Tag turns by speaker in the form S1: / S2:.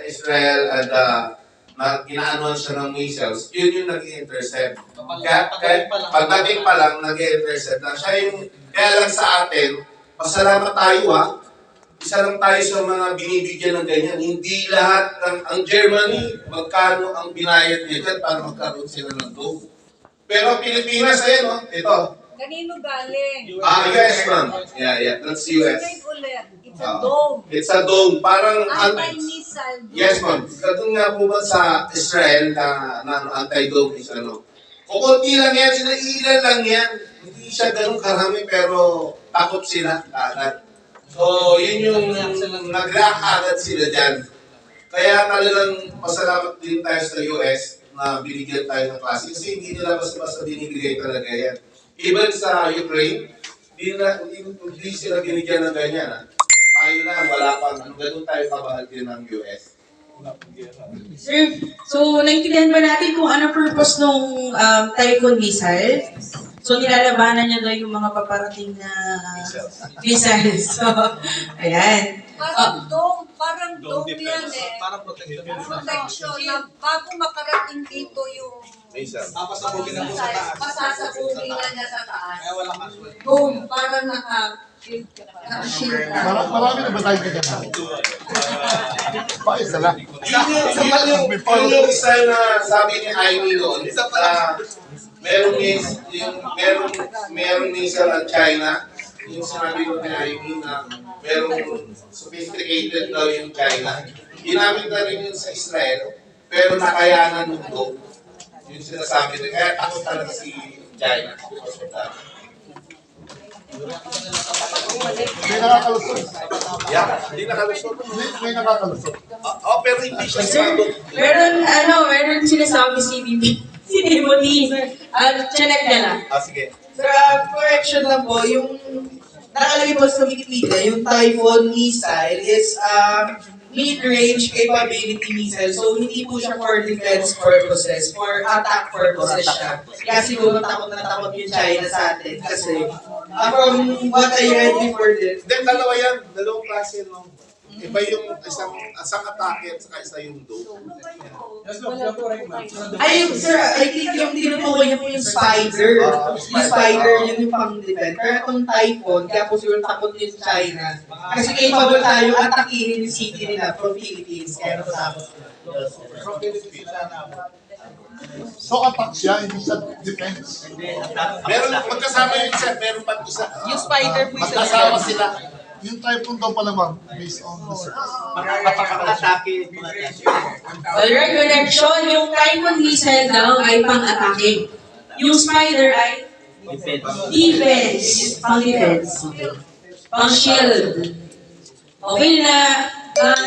S1: Israel and inaanuan siya ng missiles, yun yung nag-i-intercept. Kaya pagdating pa lang, nag-i-intercept na siya yung, kaya lang sa atin, pasalamat tayo isa lang tayo sa mga binibigyan ng ganyan. Hindi lahat ang Germany, magkano ang binayad niya dyan para magkaroon sila ng dome. Pero Pilipinas, ayan ito.
S2: Kanino galing?
S1: US ma'am. Yeah, that's US.
S2: It's a dome.
S1: It's a dome. Parang
S2: Anti-missile dome.
S1: yes ma'am. Katong nga po ba sa Israel na anti-dome is ano. Kukunti lang yan, ilan lang yan. Hindi siya ganun karami pero takot sila agad. So, yun yung nag-react agad sila dyan. Kaya talagang pasalamat din tayo sa US na binigyan tayo ng klase. Kasi hindi nila basta-basta binibigay talaga yan. Even sa Ukraine, hindi sila binigyan ng ganyan. Tayo na, wala pa. Ganun tayo kabahal din ng US.
S3: Sir, so naintindihan ba natin kung ano purpose ng Typhoon missile? So nilalabanan niya daw yung mga paparating na missiles. So, ayan.
S2: Parang dome yan eh.
S4: Parang protection.
S2: Protection na bago makarating dito yung
S4: Papasabugin na po sa taas.
S2: pasasabugin na niya sa taas.
S4: Kaya wala casual.
S2: Dome, parang naka-shield na.
S5: Marami na ba tayo ganyan? Isa lang.
S1: Yung isa na sabi ni Amy noon, merong missile ng China, yung sinabi ko ni Amy na merong sophisticated daw yung China. Ginamit na rin yun sa Israel, pero nakayanan ng dome. Yung sinasabi nila, kaya takot talaga si China.
S5: May nakakalusot.
S1: Hindi nakalusot.
S5: May nakakalusot.
S1: Pero hindi siya
S3: Sir, meron sinasabi si Bibi. Si Timothy. Check niya lang.
S1: Sige.
S6: Sir, correction lang po, yung nakalagay po sa Wikipedia, yung Typhoon missile is mid-range capability missile. So, hindi po siya for defense purposes, for attack purposes siya. Kaya siguro takot na takot yung China sa atin. Kasi, from what I read before this,
S1: Then, dalawa yan. Dalawang klase, no? Iba yung isang atake at saka isa yung dome.
S6: ay, sir, I think yung tinutukoy niya po yung spider. Yung spider, yun yung pang-defend. Pero itong typhoon, kaya po siguro takot yung China. Kasi capable tayo atakihin yung city nila from Philippines. Kaya natakot sila.
S5: So attack siya, hindi siya defense.
S1: Meron, magkasama yung isa, meron pang isa.
S6: Yung spider po isa.
S1: Magkasama sila.
S5: Yung typhoon daw pala ma'am, based on research.
S4: Atake.
S3: Alright, connection. Yung Typhoon missile daw ay pang-atake. Yung Spider ay defense. Pang-defense. Okay. Pang-shield. Okay na.